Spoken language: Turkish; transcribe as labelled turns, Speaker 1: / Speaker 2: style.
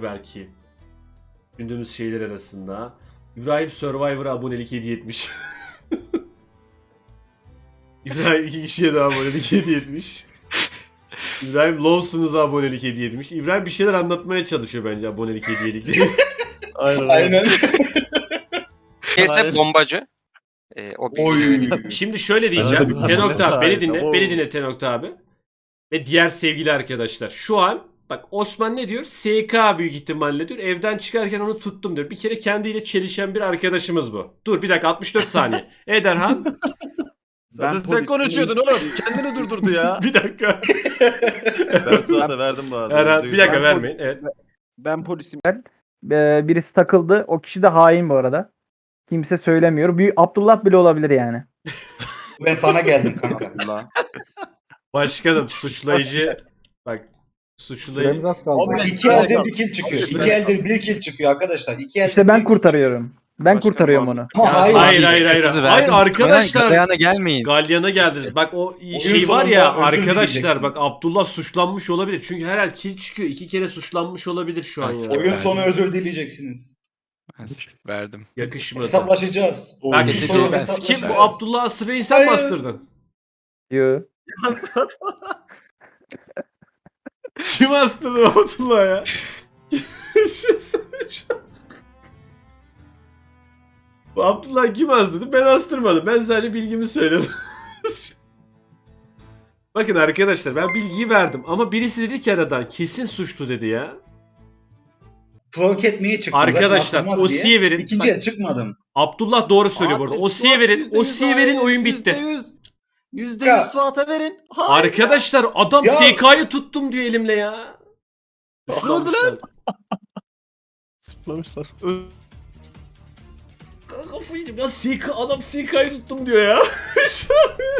Speaker 1: belki. Düşündüğümüz şeyler arasında. İbrahim Survivor'a abonelik hediye etmiş. İbrahim 2 kişiye de abonelik hediye etmiş. İbrahim Lawson'uza abonelik hediye etmiş. İbrahim bir şeyler anlatmaya çalışıyor bence abonelik hediyelikleri.
Speaker 2: Aynen.
Speaker 3: Neyse bombacı. O bir
Speaker 1: Şimdi şöyle diyeceğim.
Speaker 4: Evet,
Speaker 1: Tenokta abi beni dinle.
Speaker 4: Oo.
Speaker 1: Beni dinle Tenokta abi. Ve diğer sevgili arkadaşlar. Şu an bak Osman ne diyor? SK büyük ihtimalle diyor. Evden çıkarken onu tuttum diyor. Bir kere kendiyle çelişen bir arkadaşımız bu. Dur bir dakika 64 saniye. Ederhan.
Speaker 4: Zaten sen konuşuyordun oğlum. Kendini durdurdu ya.
Speaker 1: Bir dakika.
Speaker 4: Ben Suat'a verdim bu arada.
Speaker 1: Erhan bir dakika
Speaker 5: Ben
Speaker 1: vermeyin. Evet.
Speaker 5: Ben polisim. Birisi takıldı. O kişi de hain bu arada. Kimse söylemiyor. Bir Abdullah bile olabilir yani.
Speaker 2: Ben sana geldim kanka.
Speaker 1: Başkanım suçlayıcı. Bak suçlayıcı.
Speaker 5: az kaldı.
Speaker 2: Abi 2 eldir 1 kill çıkıyor. 2 eldir 1 kill çıkıyor arkadaşlar. 2 eldir
Speaker 5: İşte
Speaker 2: bir
Speaker 5: ben
Speaker 2: kill
Speaker 5: kurtarıyorum. Ben
Speaker 4: Başka
Speaker 5: kurtarıyorum
Speaker 4: bir
Speaker 5: onu.
Speaker 2: çıkıyor. Ama hayır.
Speaker 1: Hayır. Hayır arkadaşlar.
Speaker 6: Galyana gelmeyin.
Speaker 1: Galyana geldiniz. Bak o
Speaker 2: Oyun
Speaker 1: şey var ya
Speaker 2: sonunda özür
Speaker 1: arkadaşlar
Speaker 2: dileyeceksiniz.
Speaker 1: bak Abdullah suçlanmış olabilir. Çünkü her el kill çıkıyor. 2 kere suçlanmış olabilir şu an ya.
Speaker 2: Oyun sonu özür dileyeceksiniz.
Speaker 6: Verdim.
Speaker 1: Yakışmadı.
Speaker 2: Hesaplaşacağız.
Speaker 1: Bak
Speaker 2: Oyun
Speaker 6: Neyse,
Speaker 2: sonu
Speaker 6: ben-
Speaker 2: hesaplaşacağız.
Speaker 1: kim bu Abdullah Asır'ı sen
Speaker 2: Hayır.
Speaker 1: bastırdın?
Speaker 5: Diyor.
Speaker 1: Kim astırdı Abdullah ya? Bu Abdullah kim astırdı? Ben astırmadım. Ben sadece bilgimi söyledim. Bakın arkadaşlar ben bilgiyi verdim ama birisi dedi ki aradan kesin suçlu dedi ya.
Speaker 2: Provoke etmeye çıktım.
Speaker 1: Arkadaşlar,
Speaker 2: Zaten
Speaker 1: o
Speaker 2: atılmaz diye.
Speaker 1: siye verin.
Speaker 2: İkinci el çıkmadım.
Speaker 1: Abdullah doğru söylüyor bu arada. O siye verin. O siye verin oyun bitti.
Speaker 4: %100 Suat'a verin. Hayır.
Speaker 1: Arkadaşlar adam
Speaker 2: Ya.
Speaker 1: SK'yı tuttum diyor elimle ya.
Speaker 4: Ne oldu lan?
Speaker 7: Zıplamışlar.
Speaker 1: Kafayı yiyeceğim ya adam SK'yı tuttum diyor ya. Şu an